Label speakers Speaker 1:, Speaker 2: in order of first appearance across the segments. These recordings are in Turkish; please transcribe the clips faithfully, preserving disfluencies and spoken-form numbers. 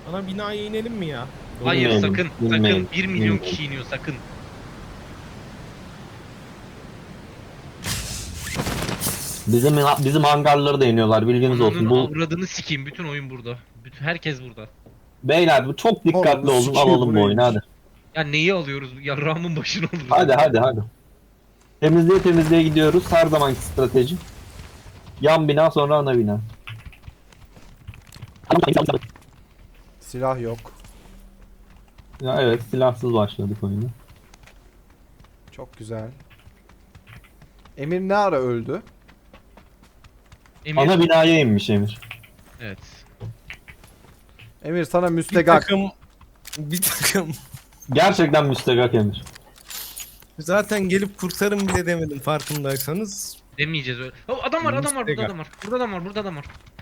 Speaker 1: Ana binaya inelim mi ya?
Speaker 2: Hayır
Speaker 3: Bilmeyelim,
Speaker 2: sakın
Speaker 3: bilmeyelim,
Speaker 2: sakın bir milyon
Speaker 3: bilmeyelim.
Speaker 2: kişi iniyor sakın.
Speaker 3: Bizim bizim hangarları da iniyorlar, bilginiz olsun.
Speaker 2: Ananın
Speaker 3: Bu
Speaker 2: avradını sikeyim, bütün oyun burada. Bütün herkes burada.
Speaker 3: beyler bu çok dikkatli
Speaker 1: Oğlum,
Speaker 3: olun,
Speaker 1: sikiyor
Speaker 3: alalım bu
Speaker 1: burayı.
Speaker 3: oyunu hadi.
Speaker 2: Ya neyi alıyoruz? Yarrağımın başına alırız.
Speaker 3: Hadi hadi hadi. Temizliğe temizliğe gidiyoruz. Her zamanki strateji. Yan bina sonra ana bina.
Speaker 4: Silah yok.
Speaker 3: Ya evet, silahsız başladık oyunu.
Speaker 4: Çok güzel. Emir ne ara öldü?
Speaker 2: Emir.
Speaker 3: Ana binaya inmiş Emir.
Speaker 2: Evet.
Speaker 4: Emir sana
Speaker 1: Bir
Speaker 4: müstegak.
Speaker 1: takım... Bir takım...
Speaker 3: Gerçekten müstegak Emir.
Speaker 1: Zaten gelip kurtarın bile demedim farkındaysanız.
Speaker 2: Demeyeceğiz öyle. Oh, adam var adam var burada adam var. Burada adam var burada adam var.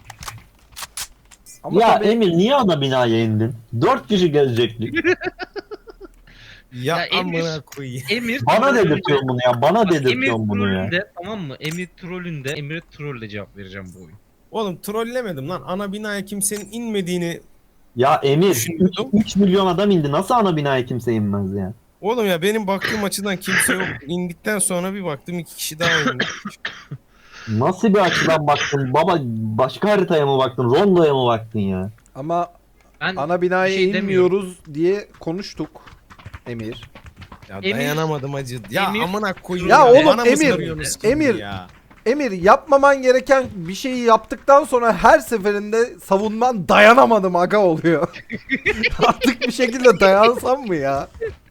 Speaker 4: Ama
Speaker 3: ya
Speaker 4: tabii
Speaker 3: Emir niye ana binaya indin? Dört kişi gelecektik.
Speaker 1: Ya,
Speaker 2: Ya Emir-
Speaker 1: amına koyayım.
Speaker 2: Emir
Speaker 3: Bana
Speaker 2: trollünde-
Speaker 3: dedirtiyorsun bunu ya. Bana
Speaker 2: Bak, Emir
Speaker 3: dedirtiyorsun bunu ya.
Speaker 2: trollünde, tamam mı? Emir trollünde Emir'e trolle cevap vereceğim bu oyun.
Speaker 1: Oğlum trollemedim lan. Ana binaya kimsenin inmediğini...
Speaker 3: Ya Emir
Speaker 1: Düşünüyordum.
Speaker 3: üç milyon adam indi. Nasıl ana binaya kimse inmez ya?
Speaker 1: Oğlum ya benim baktığım açıdan kimse yok. İndikten sonra bir baktım iki kişi daha indi.
Speaker 3: Nasıl bir açıdan baktın? Baba başka haritaya mı baktın? Rondo'ya mı baktın ya?
Speaker 4: ama
Speaker 2: Ben
Speaker 4: ana binaya
Speaker 2: bir şey
Speaker 4: inmiyoruz diye konuştuk. Emir.
Speaker 1: Ya
Speaker 2: Emir-
Speaker 1: dayanamadım acı. Ya
Speaker 2: Emir-
Speaker 1: amına koyayım.
Speaker 4: Ya oğlum,
Speaker 1: Bana mı
Speaker 4: Emir-
Speaker 1: sarıyorsunuz şimdi
Speaker 4: Emir-
Speaker 1: Ya?
Speaker 4: Emir yapmaman gereken bir şeyi yaptıktan sonra her seferinde savunman dayanamadım aga oluyor. Artık bir şekilde dayansam mı ya?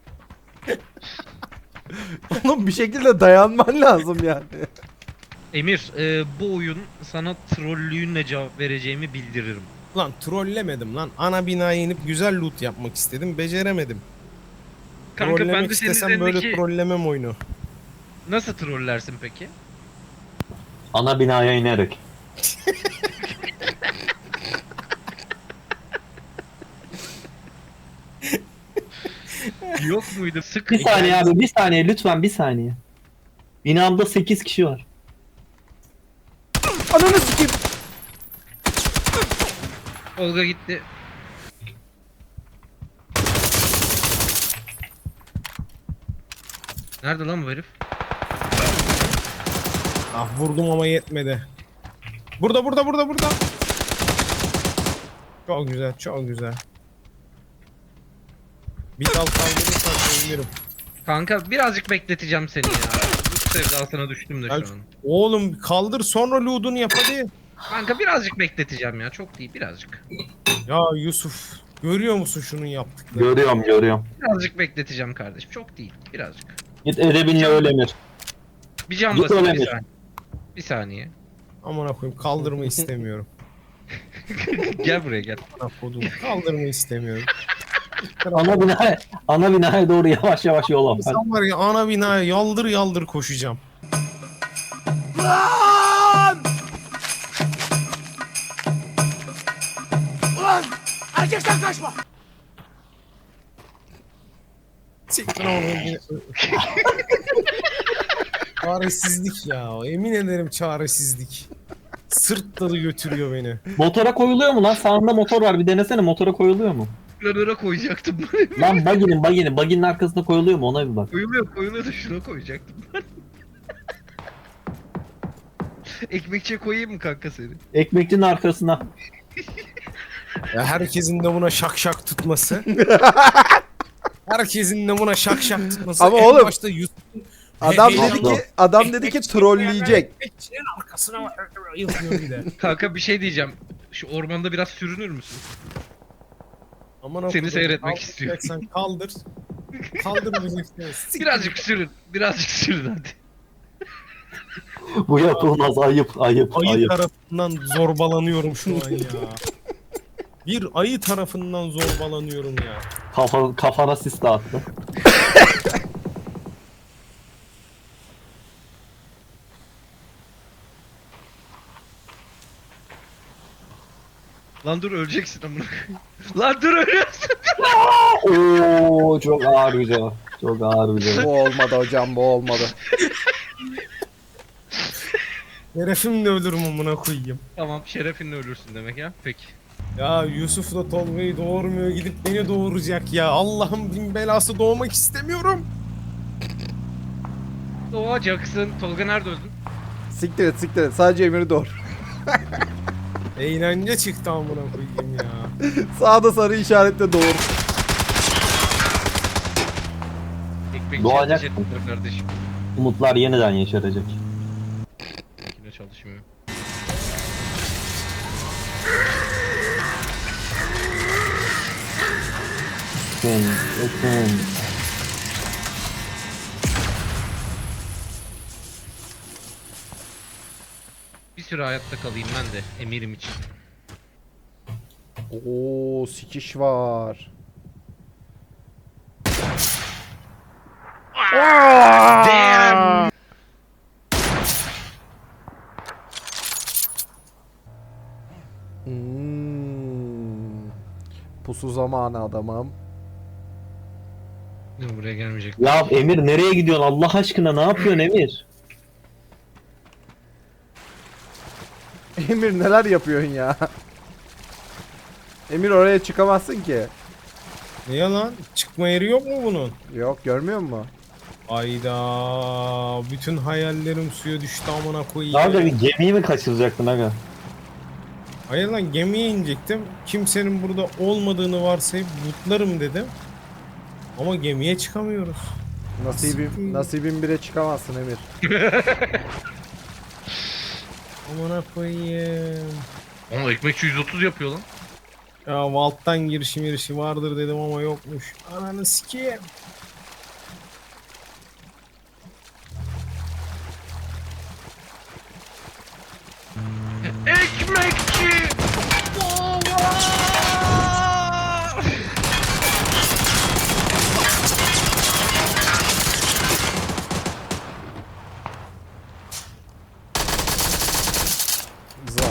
Speaker 4: Oğlum bir şekilde dayanman lazım yani.
Speaker 2: Emir e, bu oyun sana trollüğünle cevap vereceğimi bildiririm.
Speaker 1: Lan trollemedim lan. Ana binaya inip güzel loot yapmak istedim. Beceremedim.
Speaker 2: Kanka
Speaker 1: Trollemek
Speaker 2: ben de senin
Speaker 1: istesem böyle
Speaker 2: üzerindeki...
Speaker 1: trollemem oyunu.
Speaker 2: Nasıl trollersin peki?
Speaker 3: Ana binaya inerek.
Speaker 2: Yok muydu? Sık.
Speaker 3: Bir saniye abi, bir saniye lütfen, bir saniye. Binamda sekiz kişi var.
Speaker 4: Ananı sikeyim.
Speaker 2: Olga gitti. Nerede lan bu herif?
Speaker 1: Ah vurdum ama yetmedi. Burada burada burada burada. Çok güzel çok güzel. Bir dal kaldırırsan sevinirim.
Speaker 2: Kanka birazcık bekleteceğim seni ya. Bu sevdasına düştüm de
Speaker 1: Ya,
Speaker 2: şu an.
Speaker 1: oğlum kaldır sonra loot'unu yap hadi.
Speaker 2: Kanka birazcık bekleteceğim ya. Çok değil birazcık.
Speaker 1: Ya Yusuf görüyor musun şunun yaptıklarını?
Speaker 3: Görüyorum görüyorum.
Speaker 2: Birazcık bekleteceğim kardeşim. Çok değil. Birazcık.
Speaker 3: Git Erebin'le öl Emir.
Speaker 2: Bir can
Speaker 3: Git
Speaker 2: basayım
Speaker 3: öyle
Speaker 2: bir
Speaker 3: mi?
Speaker 2: saniye. Bir saniye.
Speaker 1: Amına koyayım kaldırma istemiyorum.
Speaker 2: Gel buraya gel.
Speaker 1: Amına koydum kaldırma istemiyorum.
Speaker 3: Ana binaya, ana binaya doğru yavaş yavaş yol al. Hadi.
Speaker 1: Sen var ya ana binaya yaldır yaldır koşacağım. Siktir onu. Çaresizlik ya. Emin ederim çaresizlik. Sırt dalı götürüyor beni.
Speaker 3: Motora koyuluyor mu lan? Sağında motor var, bir denesene, motora koyuluyor mu?
Speaker 2: Planöre koyacaktım.
Speaker 3: Lan baginin baginin baginin arkasında koyuluyor mu, ona bir bak.
Speaker 2: koyuluyor koyuluyor da şuna koyacaktım. Ekmekçiye koyayım mı kanka seni?
Speaker 3: Ekmekçinin arkasına.
Speaker 1: Ya herkesin de buna şak şak tutması. Herkesin de buna şak şak tutması.
Speaker 4: Ama
Speaker 1: En
Speaker 4: oğlum,
Speaker 1: başta Yusuf'un
Speaker 4: Adam
Speaker 1: Hey,
Speaker 4: dedi
Speaker 3: hey,
Speaker 4: ki adam dedi ki trolleyecek.
Speaker 1: ekmekçinin arkasına yapıyor bir de.
Speaker 2: Kanka bir şey diyeceğim. Şu ormanda biraz sürünür müsün?
Speaker 1: Aman
Speaker 2: Seni
Speaker 1: okudum,
Speaker 2: seyretmek
Speaker 1: kaldıracaksan kaldır. Kaldırmayacaksın. Siktir.
Speaker 2: Birazcık sürün. Birazcık sürün hadi.
Speaker 3: Bu yapılmaz, ayıp ayıp
Speaker 1: Ayı
Speaker 3: ayıp.
Speaker 1: tarafından zorbalanıyorum şu an ya. Bir ayı tarafından zorbalanıyorum ya.
Speaker 3: Kafa, kafana sis dağıttı.
Speaker 2: Lan dur öleceksin amına. Lan dur ölüyorsun.
Speaker 3: Oo çok ağır bir cevap. Çok ağır bir cevap.
Speaker 4: Bu olmadı hocam, bu olmadı.
Speaker 1: Şerefimle ölürüm amına koyayım.
Speaker 2: Tamam şerefinle ölürsün demek ya. Peki.
Speaker 1: Ya Yusuf da Tolga'yı doğurmuyor, gidip beni doğuracak ya. Allah'ım bin belası, doğmak istemiyorum.
Speaker 2: Doğacaksın. Tolga nerede öldün?
Speaker 4: Siktir et siktir et. Sadece Emir'i doğur.
Speaker 1: Eğlence çıktı amına koyayım ya.
Speaker 4: Sağda sarı işaretle doğur.
Speaker 2: Ekmekçi
Speaker 3: Doğacak
Speaker 2: ateş ettiler kardeşim.
Speaker 3: Umutlar yeniden yeşerecek.
Speaker 2: Yine çalışmıyor.
Speaker 3: Bakın, bakın.
Speaker 2: Bir süre hayatta kalayım ben de emirim için.
Speaker 4: Oo sikiş var.
Speaker 2: Damn!
Speaker 4: Hmm. Pusu zamanı adamım.
Speaker 2: Dur, buraya gelmeyecek.
Speaker 3: Ya Emir nereye gidiyorsun Allah aşkına, ne yapıyorsun Emir?
Speaker 4: Emir neler yapıyorsun ya? Emir oraya çıkamazsın ki.
Speaker 1: Ne yalan? Çıkma yeri yok mu bunun?
Speaker 4: Yok görmüyor musun?
Speaker 1: Ayda bütün hayallerim suya düştü amına koyayım.
Speaker 3: Daha da bir gemiyi mi kaçıracaktın aga?
Speaker 1: Hayır lan, gemiye inecektim. Kimsenin burada olmadığını varsayıp lootlarım dedim. Ama gemiye çıkamıyoruz.
Speaker 4: Nasibim, nasibim bire çıkamazsın Emir.
Speaker 1: Amına koyayım.
Speaker 2: Ama ekmekçi yüz otuz yapıyor lan.
Speaker 1: Ya Valt'tan girişi mirişi vardır dedim ama yokmuş. Ananı sikeyim.
Speaker 2: Ekmekçi! Baba!
Speaker 4: Za.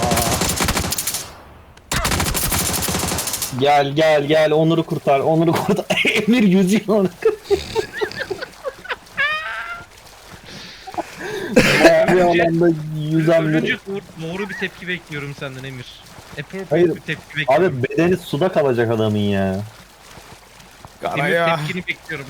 Speaker 3: Gel gel gel, Onur'u kurtar, Onur'u kurtar. Emir yüzüyor onu. Bir alanda yüzen bir...
Speaker 2: Ölünce doğru, doğru bir tepki bekliyorum senden Emir. Appropriate
Speaker 3: Hayır,
Speaker 2: bir tepki bekliyorum.
Speaker 3: Abi bedeni suda kalacak adamın ya.
Speaker 2: Emir
Speaker 1: Karaya.
Speaker 2: tepkini bekliyorum.